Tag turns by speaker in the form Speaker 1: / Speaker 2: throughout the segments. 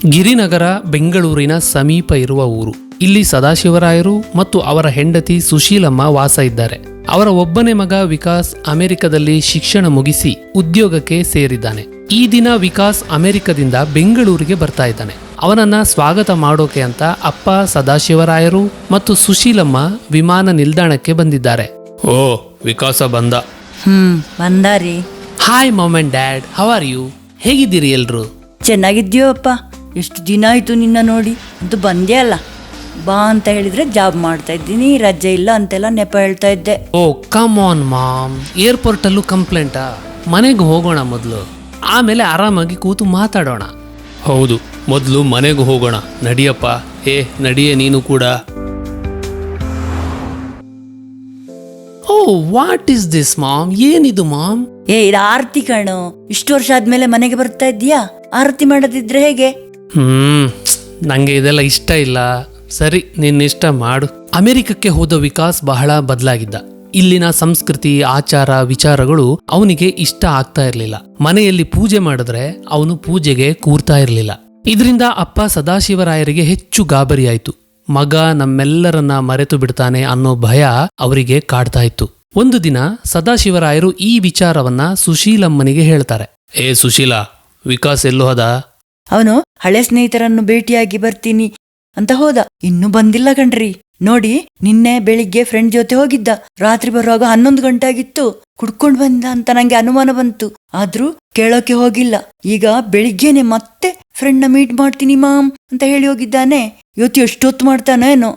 Speaker 1: ಗಿರಿನಗರ ಬೆಂಗಳೂರಿನ ಸಮೀಪ ಇರುವ ಊರು. ಇಲ್ಲಿ ಸದಾಶಿವರಾಯರು ಮತ್ತು ಅವರ ಹೆಂಡತಿ ಸುಶೀಲಮ್ಮ ವಾಸ ಇದ್ದಾರೆ. ಅವರ ಒಬ್ಬನೇ ಮಗ ವಿಕಾಸ್ ಅಮೆರಿಕದಲ್ಲಿ ಶಿಕ್ಷಣ ಮುಗಿಸಿ ಉದ್ಯೋಗಕ್ಕೆ ಸೇರಿದ್ದಾನೆ. ಈ ದಿನ ವಿಕಾಸ್ ಅಮೆರಿಕದಿಂದ ಬೆಂಗಳೂರಿಗೆ ಬರ್ತಾ ಇದ್ದಾನೆ. ಅವನನ್ನ ಸ್ವಾಗತ ಮಾಡೋಕೆ ಅಂತ ಅಪ್ಪ ಸದಾಶಿವರಾಯರು ಮತ್ತು ಸುಶೀಲಮ್ಮ ವಿಮಾನ ನಿಲ್ದಾಣಕ್ಕೆ ಬಂದಿದ್ದಾರೆ. ಓ, ವಿಕಾಸ ಬಂದ.
Speaker 2: ಬಂದಾರಿ.
Speaker 1: Hi mom and dad, how are you? ಹೇಗಿದ್ದೀರಿ ಎಲ್ರು?
Speaker 2: ಚೆನ್ನಾಗಿದ್ಯೋ ಅಪ್ಪ, ಎಷ್ಟು ದಿನ ಆಯ್ತು ನಿನ್ನ ನೋಡಿ. ಅಂತೂ ಬಂದೇ ಅಲ್ಲ. ಬಾ ಅಂತ ಹೇಳಿದ್ರೆ ಜಾಬ್ ಮಾಡ್ತಾ ಇದ್ದೀನಿ, ರಜೆ ಇಲ್ಲ ಅಂತೆಲ್ಲ ನೆಪ ಹೇಳ್ತಾ ಇದ್ದೆ.
Speaker 1: Oh come on mom, airport ಅಲ್ಲೂ ಕಂಪ್ಲೇಂಟಾ? ಮನೆಗೆ ಹೋಗೋಣ ಮೊದಲು, ಆಮೇಲೆ ಆರಾಮಾಗಿ ಕೂತು ಮಾತಾಡೋಣ. ಹೌದು, ಮೊದಲು ಮನೆಗೆ ಹೋಗೋಣ. ನಡಿಯಪ್ಪ. ನಡಿಯೇ ನೀನು ಕೂಡ. Oh, what is this mom? ಏನಿದು ಮಾಮ್?
Speaker 2: ಇದು ಆರತಿ ಕಣೋ. ಇಷ್ಟು ವರ್ಷ ಆದ್ಮೇಲೆ ಮನೆಗೆ ಬರ್ತಾ ಇದ್ದೀಯಾ? ಆರತಿ ಮಾಡೋದಿದ್ರೆ ಹೇಗೆ?
Speaker 1: ನಂಗೆ ಇದೆಲ್ಲ ಇಷ್ಟ ಇಲ್ಲ. ಸರಿ, ನಿನ್ನ ಇಷ್ಟ ಮಾಡು. ಅಮೆರಿಕಕ್ಕೆ ಹೋದ ವಿಕಾಸ್ ಬಹಳ ಬದಲಾಗಿದ್ದ. ಇಲ್ಲಿನ ಸಂಸ್ಕೃತಿ, ಆಚಾರ, ವಿಚಾರಗಳು ಅವನಿಗೆ ಇಷ್ಟ ಆಗ್ತಾ ಇರ್ಲಿಲ್ಲ. ಮನೆಯಲ್ಲಿ ಪೂಜೆ ಮಾಡಿದ್ರೆ ಅವನು ಪೂಜೆಗೆ ಕೂರ್ತಾ ಇರ್ಲಿಲ್ಲ. ಇದರಿಂದ ಅಪ್ಪ ಸದಾಶಿವರಾಯರಿಗೆ ಹೆಚ್ಚು ಗಾಬರಿಯಾಯಿತು. ಮಗ ನಮ್ಮೆಲ್ಲರನ್ನ ಮರೆತು ಬಿಡ್ತಾನೆ ಅನ್ನೋ ಭಯ ಅವರಿಗೆ ಕಾಡ್ತಾ ಇತ್ತು. ಒಂದು ದಿನ ಸದಾಶಿವರಾಯರು ಈ ವಿಚಾರವನ್ನ ಸುಶೀಲಮ್ಮನಿಗೆ ಹೇಳ್ತಾರೆ. ಸುಶೀಲಾ, ವಿಕಾಸ್ ಎಲ್ಲೋ ಹೋದ?
Speaker 2: ಅವನು ಹಳೆ ಸ್ನೇಹಿತರನ್ನು ಭೇಟಿಯಾಗಿ ಬರ್ತೀನಿ ಅಂತ ಹೋದ. ಇನ್ನೂ ಬಂದಿಲ್ಲ ಕಣ್ರಿ. ನೋಡಿ, ನಿನ್ನೆ ಬೆಳಿಗ್ಗೆ ಫ್ರೆಂಡ್ ಜೊತೆ ಹೋಗಿದ್ದ. ರಾತ್ರಿ ಬರುವಾಗ 11 ಗಂಟೆ ಆಗಿತ್ತು. ಕುಡ್ಕೊಂಡ್ ಬಂದ ಅಂತ ನಂಗೆ ಅನುಮಾನ ಬಂತು. ಆದ್ರೂ ಕೇಳೋಕೆ ಹೋಗಿಲ್ಲ. ಈಗ ಬೆಳಿಗ್ಗೆನೆ ಮತ್ತೆ ಫ್ರೆಂಡ್ ನ ಮೀಟ್ ಮಾಡ್ತೀನಿ ಮಾಮ್ ಅಂತ ಹೇಳಿ ಹೋಗಿದ್ದಾನೆ. ಇವತ್ತು ಎಷ್ಟೊತ್ತು ಮಾಡ್ತಾನೇನೋ.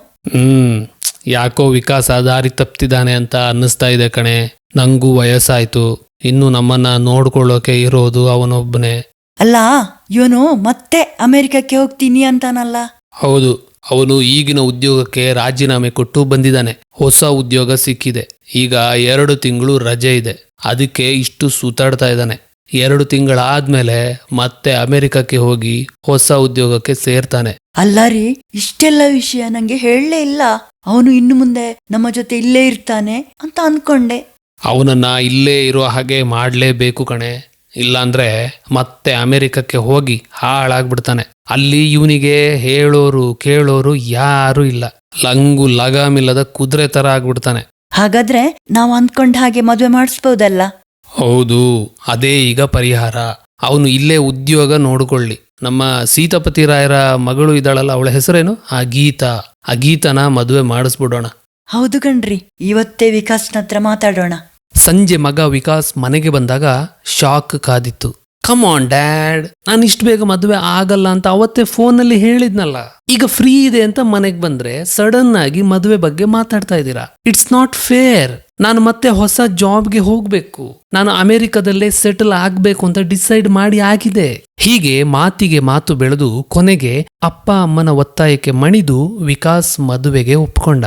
Speaker 1: ಯಾಕೋ ವಿಕಾಸ ದಾರಿ ತಪ್ತಿದ್ದಾನೆ ಅಂತ ಅನ್ನಿಸ್ತಾ ಇದೆ ಕಣೆ. ನಂಗೂ ವಯಸ್ಸಾಯ್ತು. ಇನ್ನು ನಮ್ಮನ್ನ ನೋಡ್ಕೊಳ್ಳೋಕೆ ಇರೋದು ಅವನೊಬ್ಬನೇ.
Speaker 2: ಅಲ್ಲ, ಇವನು ಮತ್ತೆ ಅಮೆರಿಕಕ್ಕೆ ಹೋಗ್ತೀನಿ ಅಂತಾನಲ್ಲ?
Speaker 1: ಹೌದು, ಅವನು ಈಗಿನ ಉದ್ಯೋಗಕ್ಕೆ ರಾಜೀನಾಮೆ ಕೊಟ್ಟು ಬಂದಿದ್ದಾನೆ. ಹೊಸ ಉದ್ಯೋಗ ಸಿಕ್ಕಿದೆ. ಈಗ 2 ತಿಂಗಳು ರಜೆ ಇದೆ. ಅದಕ್ಕೆ ಇಷ್ಟು ಸುತ್ತಾಡ್ತಾ ಇದ್ದಾನೆ. 2 ತಿಂಗಳಾದ್ಮೇಲೆ ಮತ್ತೆ ಅಮೆರಿಕಕ್ಕೆ ಹೋಗಿ ಹೊಸ ಉದ್ಯೋಗಕ್ಕೆ ಸೇರ್ತಾನೆ.
Speaker 2: ಅಲ್ಲ ರೀ, ಇಷ್ಟೆಲ್ಲ ವಿಷಯ ನಂಗೆ ಹೇಳಲೇ ಇಲ್ಲ. ಅವನು ಇನ್ನು ಮುಂದೆ ನಮ್ಮ ಜೊತೆ ಇಲ್ಲೇ ಇರ್ತಾನೆ ಅಂತ ಅನ್ಕೊಂಡೆ.
Speaker 1: ಅವನನ್ನ ಇಲ್ಲೇ ಇರೋ ಹಾಗೆ ಮಾಡ್ಲೇಬೇಕು ಕಣೆ. ಇಲ್ಲಾಂದ್ರೆ ಮತ್ತೆ ಅಮೆರಿಕಕ್ಕೆ ಹೋಗಿ ಹಾಳಾಗ್ಬಿಡ್ತಾನೆ. ಅಲ್ಲಿ ಇವನಿಗೆ ಹೇಳೋರು ಕೇಳೋರು ಯಾರು ಇಲ್ಲ. ಲಂಗು ಲಗಾಮಿಲ್ಲದ ಕುದುರೆ ತರ ಆಗ್ಬಿಡ್ತಾನೆ.
Speaker 2: ಹಾಗಾದ್ರೆ ನಾವು ಅಂದ್ಕೊಂಡ ಹಾಗೆ ಮದುವೆ ಮಾಡಿಸ್ಬೋದಲ್ಲ?
Speaker 1: ಹೌದು, ಅದೇ ಈಗ ಪರಿಹಾರ. ಅವನು ಇಲ್ಲೇ ಉದ್ಯೋಗ ನೋಡ್ಕೊಳ್ಳಿ. ನಮ್ಮ ಸೀತಾಪತಿ ರಾಯರ ಮಗಳು ಇದ್ದಾಳಲ್ಲ, ಅವಳ ಹೆಸರೇನು? ಆ ಗೀತನ ಮದುವೆ ಮಾಡಿಸ್ಬಿಡೋಣ.
Speaker 2: ಹೌದು ಕಣ್ರಿ, ಇವತ್ತೇ ವಿಕಾಸ್ನ ಹತ್ರ ಮಾತಾಡೋಣ.
Speaker 1: ಸಂಜೆ ಮಗ ವಿಕಾಸ್ ಮನೆಗೆ ಬಂದಾಗ ಶಾಕ್ ಕಾದಿತ್ತು. ಕಮ್ ಆನ್ ಡ್ಯಾಡ್, ನಾನು ಇಷ್ಟು ಬೇಗ ಮದುವೆ ಆಗಲ್ಲ ಅಂತ ಅವತ್ತೇ ಫೋನಲ್ಲಿ ಹೇಳಿದ್ನಲ್ಲ. ಈಗ ಫ್ರೀ ಇದೆ ಅಂತ ಮನೆಗೆ ಬಂದ್ರೆ ಸಡನ್ ಆಗಿ ಮದುವೆ ಬಗ್ಗೆ ಮಾತಾಡ್ತಾ ಇದ್ದೀರಾ. It's not fair. ನಾನು ಮತ್ತೆ ಹೊಸ ಜಾಬ್ಗೆ ಹೋಗ್ಬೇಕು. ನಾನು ಅಮೆರಿಕದಲ್ಲೇ ಸೆಟಲ್ ಆಗ್ಬೇಕು ಅಂತ ಡಿಸೈಡ್ ಮಾಡಿ ಆಗಿದೆ. ಹೀಗೆ ಮಾತಿಗೆ ಮಾತು ಬೆಳೆದು ಕೊನೆಗೆ ಅಪ್ಪ ಅಮ್ಮನ ಒತ್ತಾಯಕ್ಕೆ ಮಣಿದು ವಿಕಾಸ್ ಮದುವೆಗೆ ಒಪ್ಕೊಂಡ.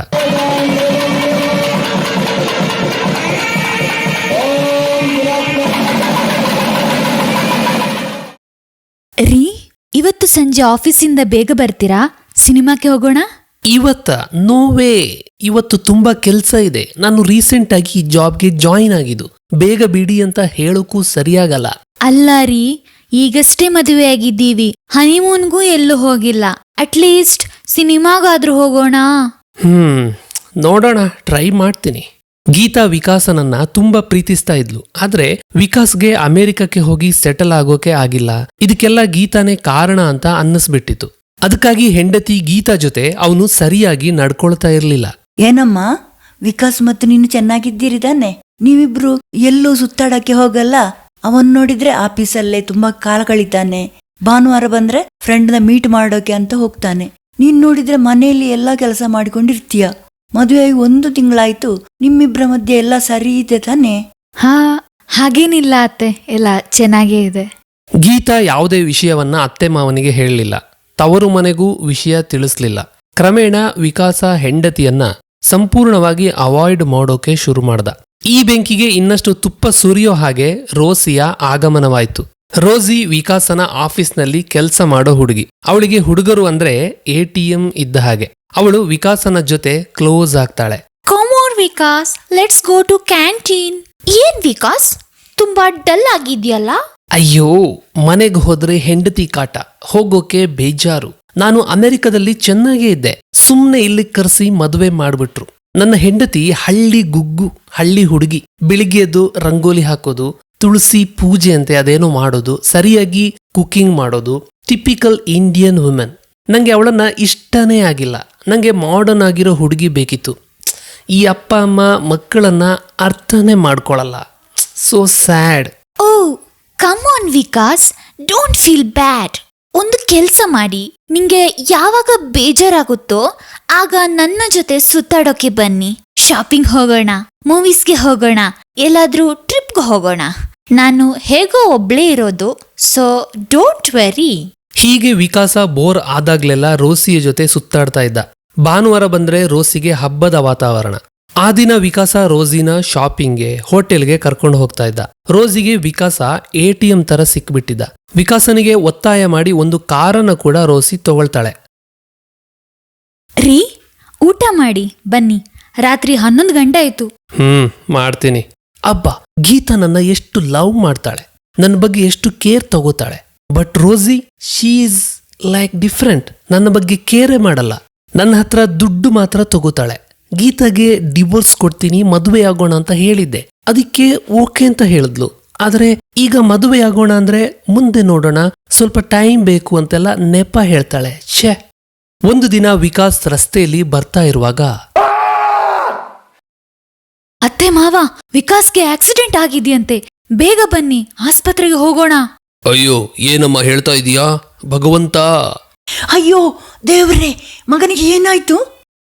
Speaker 3: ರೀ, ಇವತ್ತು ಸಂಜೆ ಆಫೀಸಿಂದ ಬೇಗ ಬರ್ತೀರಾ? ಸಿನಿಮಾಕ್ಕೆ ಹೋಗೋಣ.
Speaker 1: ಇವತ್ತ? No way. ಇವತ್ತು ತುಂಬಾ ಕೆಲ್ಸ ಇದೆ. ನಾನು ರೀಸೆಂಟ್ ಆಗಿ ಈ ಜಾಬ್ಗೆ ಜಾಯಿನ್ ಆಗಿದ್ದು. ಬೇಗ ಬಿಡಿ ಅಂತ ಹೇಳೋಕ್ಕೂ ಸರಿಯಾಗಲ್ಲ.
Speaker 3: ಅಲ್ಲ ರೀ, ಈಗಷ್ಟೇ ಮದುವೆ ಆಗಿದ್ದೀವಿ. ಹನಿಮೂನ್ಗೂ ಎಲ್ಲೂ ಹೋಗಿಲ್ಲ. ಅಟ್ಲೀಸ್ಟ್ ಸಿನಿಮಾಗಾದ್ರೂ ಹೋಗೋಣ.
Speaker 1: ನೋಡೋಣ, ಟ್ರೈ ಮಾಡ್ತೀನಿ. ಗೀತಾ ವಿಕಾಸನನ್ನ ತುಂಬಾ ಪ್ರೀತಿಸ್ತಾ ಇದ್ಲು. ಆದ್ರೆ ವಿಕಾಸ್ಗೆ ಅಮೆರಿಕಕ್ಕೆ ಹೋಗಿ ಸೆಟಲ್ ಆಗೋಕೆ ಆಗಿಲ್ಲ. ಇದಕ್ಕೆಲ್ಲ ಗೀತಾನೇ ಕಾರಣ ಅಂತ ಅನ್ನಿಸ್ಬಿಟ್ಟಿತ್ತು. ಅದಕ್ಕಾಗಿ ಹೆಂಡತಿ ಗೀತಾ ಜೊತೆ ಅವನು ಸರಿಯಾಗಿ ನಡ್ಕೊಳ್ತಾ ಇರ್ಲಿಲ್ಲ.
Speaker 2: ಏನಮ್ಮ, ವಿಕಾಸ್ ಮತ್ತು ನೀನು ಚೆನ್ನಾಗಿದ್ದೀರಿದಾನೆ? ನೀವಿಬ್ರು ಎಲ್ಲೂ ಸುತ್ತಾಡಕ್ಕೆ ಹೋಗಲ್ಲ? ಅವನ್ ನೋಡಿದ್ರೆ ಆಫೀಸಲ್ಲೇ ತುಂಬಾ ಕಾಲ ಕಳೀತಾನೆ. ಭಾನುವಾರ ಬಂದ್ರೆ ಫ್ರೆಂಡ್ನ ಮೀಟ್ ಮಾಡೋಕೆ ಅಂತ ಹೋಗ್ತಾನೆ. ನೀನ್ ನೋಡಿದ್ರೆ ಮನೆಯಲ್ಲಿ ಎಲ್ಲಾ ಕೆಲಸ ಮಾಡಿಕೊಂಡಿರ್ತೀಯ. ಮದುವೆ 1 ತಿಂಗಳಾಯ್ತು. ನಿಮ್ಮಿಬ್ರ ಮಧ್ಯೆ ಎಲ್ಲ ಸರಿ ಇದೆ ತಾನೆ?
Speaker 3: ಹಾಗೇನಿಲ್ಲ ಅತ್ತೆ, ಎಲ್ಲ ಚೆನ್ನಾಗೇ ಇದೆ.
Speaker 1: ಗೀತಾ ಯಾವುದೇ ವಿಷಯವನ್ನ ಅತ್ತೆ ಮಾವನಿಗೆ ಹೇಳಲಿಲ್ಲ. ತವರು ಮನೆಗೂ ವಿಷಯ ತಿಳಿಸ್ಲಿಲ್ಲ. ಕ್ರಮೇಣ ವಿಕಾಸ ಹೆಂಡತಿಯನ್ನ ಸಂಪೂರ್ಣವಾಗಿ ಅವಾಯ್ಡ್ ಮಾಡೋಕೆ ಶುರು ಮಾಡ್ದ. ಈ ಬೆಂಕಿಗೆ ಇನ್ನಷ್ಟು ತುಪ್ಪ ಸುರಿಯೋ ಹಾಗೆ ರೋಸಿಯ ಆಗಮನವಾಯ್ತು. ರೋಸಿ ವಿಕಾಸನ ಆಫೀಸ್ನಲ್ಲಿ ಕೆಲಸ ಮಾಡೋ ಹುಡುಗಿ. ಅವಳಿಗೆ ಹುಡುಗರು ಅಂದ್ರೆ ATM ಇದ್ದ ಹಾಗೆ. ಅವಳು ವಿಕಾಸನ ಜೊತೆ ಕ್ಲೋಸ್ ಆಗ್ತಾಳೆ.
Speaker 3: Come on Vikas, let's go to canteen. ಏನ್ ವಿಕಾಸ್, ತುಂಬಾ ಡಲ್ ಆಗಿದ್ಯಲ್ಲ.
Speaker 1: ಅಯ್ಯೋ, ಮನೆಗೆ ಹೋದ್ರೆ ಹೆಂಡತಿ ಕಾಟ, ಹೋಗೋಕೆ ಬೇಜಾರು. ನಾನು ಅಮೆರಿಕದಲ್ಲಿ ಚೆನ್ನಾಗೇ ಇದ್ದೆ, ಸುಮ್ನೆ ಇಲ್ಲಿ ಕರೆಸಿ ಮದುವೆ ಮಾಡ್ಬಿಟ್ರು. ನನ್ನ ಹೆಂಡತಿ ಹಳ್ಳಿ ಗುಗ್ಗು, ಹಳ್ಳಿ ಹುಡುಗಿ. ಬೆಳಿಗ್ಗೆ ಎದ್ದು ರಂಗೋಲಿ ಹಾಕೋದು, ತುಳಸಿ ಪೂಜೆ ಅಂತೆ ಅದೇನೋ ಮಾಡೋದು, ಸರಿಯಾಗಿ ಕುಕಿಂಗ್ ಮಾಡೋದು, ಟಿಪಿಕಲ್ ಇಂಡಿಯನ್ ವುಮೆನ್. ನಂಗೆ ಅವಳನ್ನ ಇಷ್ಟನೇ ಆಗಿಲ್ಲ. ನಂಗೆ ಮಾಡರ್ನ್ ಆಗಿರೋ ಹುಡುಗಿ ಬೇಕಿತ್ತು. ಈ ಅಪ್ಪ ಅಮ್ಮ ಮಕ್ಕಳನ್ನ ಅರ್ಥನೇ ಮಾಡ್ಕೊಳಲ್ಲ. So sad.
Speaker 3: Oh come on Vikas, don't feel bad. ಒಂದು ಕೆಲ್ಸ ಮಾಡಿ, ನಿಂಗೆ ಯಾವಾಗ ಬೇಜಾರಾಗುತ್ತೋ ಆಗ ನನ್ನ ಜೊತೆ ಸುತ್ತಾಡೋಕೆ ಬನ್ನಿ. ಶಾಪಿಂಗ್ ಹೋಗೋಣ, ಮೂವೀಸ್ಗೆ ಹೋಗೋಣ, ಎಲ್ಲಾದ್ರೂ ಟ್ರಿಪ್ಗೆ ಹೋಗೋಣ. ನಾನು ಹೇಗೋ ಒಬ್ಳೇ ಇರೋದು, ಸೊ ಡೋಂಟ್ ವೆರಿ.
Speaker 1: ಹೀಗೆ ವಿಕಾಸ ಬೋರ್ ಆದಾಗ್ಲೆಲ್ಲ ರೋಸಿಯ ಜೊತೆ ಸುತ್ತಾಡ್ತಾ ಇದ್ದ. ಭಾನುವಾರ ಬಂದ್ರೆ ರೋಸಿಗೆ ಹಬ್ಬದ ವಾತಾವರಣ. ಆ ದಿನ ವಿಕಾಸ ರೋಸಿನ ಶಾಪಿಂಗ್ಗೆ, ಹೋಟೆಲ್ಗೆ ಕರ್ಕೊಂಡು ಹೋಗ್ತಾ ಇದ್ದ. ರೋಸಿಗೆ ವಿಕಾಸ ATM ತರ ಸಿಕ್ಬಿಟ್ಟಿದ್ದ. ವಿಕಾಸನಿಗೆ ಒತ್ತಾಯ ಮಾಡಿ ಒಂದು ಕಾರನ್ನ ಕೂಡ ರೋಸಿ ತಗೊಳ್ತಾಳೆ.
Speaker 3: ರೀ, ಊಟ ಮಾಡಿ ಬನ್ನಿ, ರಾತ್ರಿ 11 ಗಂಟೆ ಆಯ್ತು.
Speaker 1: ಮಾಡ್ತೀನಿ. ಅಬ್ಬಾ, ಗೀತಾ ನನ್ನ ಎಷ್ಟು ಲವ್ ಮಾಡ್ತಾಳೆ, ನನ್ನ ಬಗ್ಗೆ ಎಷ್ಟು ಕೇರ್ ತಗೋತಾಳೆ. But Rosie, she is like different. ನನ್ನ ಬಗ್ಗೆ ಕೇರೇ ಮಾಡಲ್ಲ. ನನ್ನ ಹತ್ರ ದುಡ್ಡು ಮಾತ್ರ ತಗೋತಾಳೆ. ಗೀತಾಗೆ ಡಿವೋರ್ಸ್ ಕೊಡ್ತೀನಿ, ಮದುವೆ ಆಗೋಣ ಅಂತ ಹೇಳಿದ್ದೆ. ಅದಕ್ಕೆ ಓಕೆ ಅಂತ ಹೇಳಿದ್ಲು. ಆದ್ರೆ ಈಗ ಮದುವೆ ಆಗೋಣ ಅಂದ್ರೆ ಮುಂದೆ ನೋಡೋಣ, ಸ್ವಲ್ಪ ಟೈಮ್ ಬೇಕು ಅಂತೆಲ್ಲ ನೆಪ ಹೇಳ್ತಾಳೆ. ಛೇ. ಒಂದು ದಿನ ವಿಕಾಸ್ ರಸ್ತೆಯಲ್ಲಿ ಬರ್ತಾ ಇರುವಾಗ,
Speaker 3: ಅತ್ತೆ ಮಾವ, ವಿಕಾಸ್ಗೆ ಆಕ್ಸಿಡೆಂಟ್ ಆಗಿದೆಯಂತೆ, ಬೇಗ ಬನ್ನಿ, ಆಸ್ಪತ್ರೆಗೆ ಹೋಗೋಣ.
Speaker 1: ಅಯ್ಯೋ, ಏನಮ್ಮ ಹೇಳ್ತಾ ಇದೀಯಾ ಭಗವಂತ?
Speaker 2: ಅಯ್ಯೋ ದೇವ್ರೇ, ಮಗನಿಗೆ ಏನಾಯ್ತು?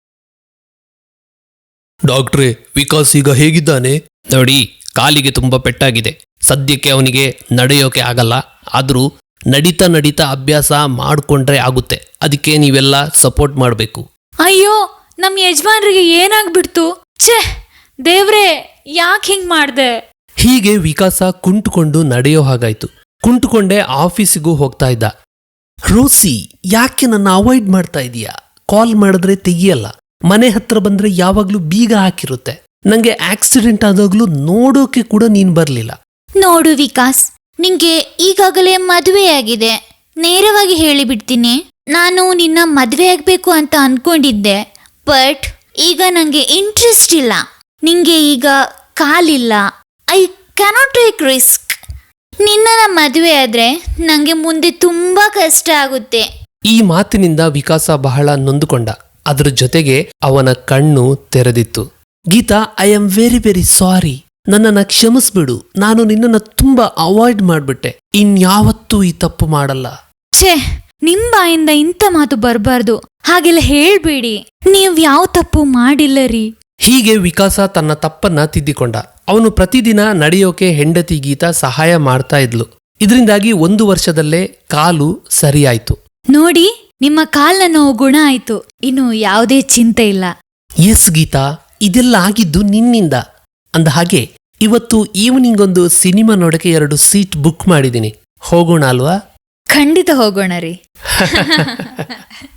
Speaker 1: ಡಾಕ್ಟ್ರೇ, ವಿಕಾಸ್ ಈಗ ಹೇಗಿದ್ದಾನೆ? ನೋಡಿ, ಕಾಲಿಗೆ ತುಂಬಾ ಪೆಟ್ಟಾಗಿದೆ. ಸದ್ಯಕ್ಕೆ ಅವನಿಗೆ ನಡೆಯೋಕೆ ಆಗಲ್ಲ. ಆದ್ರೂ ನಡೀತಾ ನಡೀತಾ ಅಭ್ಯಾಸ ಮಾಡ್ಕೊಂಡ್ರೆ ಆಗುತ್ತೆ. ಅದಕ್ಕೆ ನೀವೆಲ್ಲ ಸಪೋರ್ಟ್ ಮಾಡಬೇಕು.
Speaker 3: ಅಯ್ಯೋ, ನಮ್ ಯಜಮಾನ್ರಿಗೆ ಏನಾಗ್ಬಿಡ್ತು? ಛೇ ದೇವ್ರೇ, ಯಾಕೆ ಹಿಂಗ್ ಮಾಡ್ದೆ?
Speaker 1: ಹೀಗೆ ವಿಕಾಸ ಕುಂಟುಕೊಂಡು ನಡೆಯೋ ಹಾಗಾಯ್ತು. ಕುಂಟುಕೊಂಡೇ ಆಫೀಸಿಗೂ ಹೋಗ್ತಾ ಇದ್ದ. ರೋಸಿ, ಯಾಕೆ ನನ್ನ ಅವಾಯ್ಡ್ ಮಾಡ್ತಾ ಇದೀಯಾ? ಕಾಲ್ ಮಾಡಿದ್ರೆ ತೆಗಿಯಲ್ಲ, ಮನೆ ಹತ್ರ ಬಂದ್ರೆ ಯಾವಾಗ್ಲೂ ಬೀಗ ಹಾಕಿರುತ್ತೆ. ನಂಗೆ ಆಕ್ಸಿಡೆಂಟ್ ಆದಾಗ್ಲೂ ನೋಡೋಕೆ ಕೂಡ ನೀನ್ ಬರ್ಲಿಲ್ಲ.
Speaker 3: ನೋಡು ವಿಕಾಸ್, ನಿಂಗೆ ಈಗಾಗಲೇ ಮದುವೆಯಾಗಿದೆ. ನೇರವಾಗಿ ಹೇಳಿಬಿಡ್ತೀನಿ, ನಾನು ನಿನ್ನ ಮದುವೆ ಆಗ್ಬೇಕು ಅಂತ ಅನ್ಕೊಂಡಿದ್ದೆ. ಬಟ್ ಈಗ ನಂಗೆ ಇಂಟ್ರೆಸ್ಟ್ ಇಲ್ಲ. ನಿಂಗೆ ಈಗ ಕಾಲಿಲ್ಲ. I cannot take risk. ನಿನ್ನ ಮದುವೆ ಆದ್ರೆ ನಂಗೆ ಮುಂದೆ ತುಂಬಾ ಕಷ್ಟ ಆಗುತ್ತೆ.
Speaker 1: ಈ ಮಾತಿನಿಂದ ವಿಕಾಸ ಬಹಳ ನೊಂದುಕೊಂಡ. ಅದ್ರ ಜೊತೆಗೆ ಅವನ ಕಣ್ಣು ತೆರೆದಿತ್ತು. Geeta, I am very very sorry. ನನ್ನನ್ನ ಕ್ಷಮಿಸ್ಬಿಡು. ನಾನು ನಿನ್ನನ್ನ ತುಂಬಾ ಅವಾಯ್ಡ್ ಮಾಡ್ಬಿಟ್ಟೆ. ಇನ್ಯಾವತ್ತೂ ಈ ತಪ್ಪು ಮಾಡಲ್ಲ.
Speaker 3: ಛೇ, ನಿಮ್ ಬಾಯಿಂದ ಇಂಥ ಮಾತು ಬರಬಾರ್ದು. ಹಾಗೆಲ್ಲ ಹೇಳ್ಬೇಡಿ. ನೀವ್ ಯಾವ ತಪ್ಪು ಮಾಡಿಲ್ಲ ರೀ.
Speaker 1: ಹೀಗೆ ವಿಕಾಸ ತನ್ನ ತಪ್ಪನ್ನ ತಿದ್ದಿಕೊಂಡ. ಅವನು ಪ್ರತಿದಿನ ನಡೆಯೋಕೆ ಹೆಂಡತಿ ಗೀತಾ ಸಹಾಯ ಮಾಡ್ತಾ ಇದ್ಲು. ಇದರಿಂದಾಗಿ 1 ವರ್ಷದಲ್ಲೇ ಕಾಲು ಸರಿಯಾಯ್ತು.
Speaker 3: ನೋಡಿ, ನಿಮ್ಮ ಕಾಲ್ನ ನೋವು ಗುಣ ಆಯ್ತು. ಇನ್ನು ಯಾವುದೇ ಚಿಂತೆ ಇಲ್ಲ.
Speaker 1: ಎಸ್ ಗೀತಾ, ಇದೆಲ್ಲ ಆಗಿದ್ದು ನಿನ್ನಿಂದ. ಅಂದ ಹಾಗೆ ಇವತ್ತು ಈವ್ನಿಂಗ್ ಒಂದು ಸಿನಿಮಾ ನೋಡಕ್ಕೆ 2 ಸೀಟ್ ಬುಕ್ ಮಾಡಿದ್ದೀನಿ. ಹೋಗೋಣ ಅಲ್ವಾ?
Speaker 3: ಖಂಡಿತ ಹೋಗೋಣ ರೀ.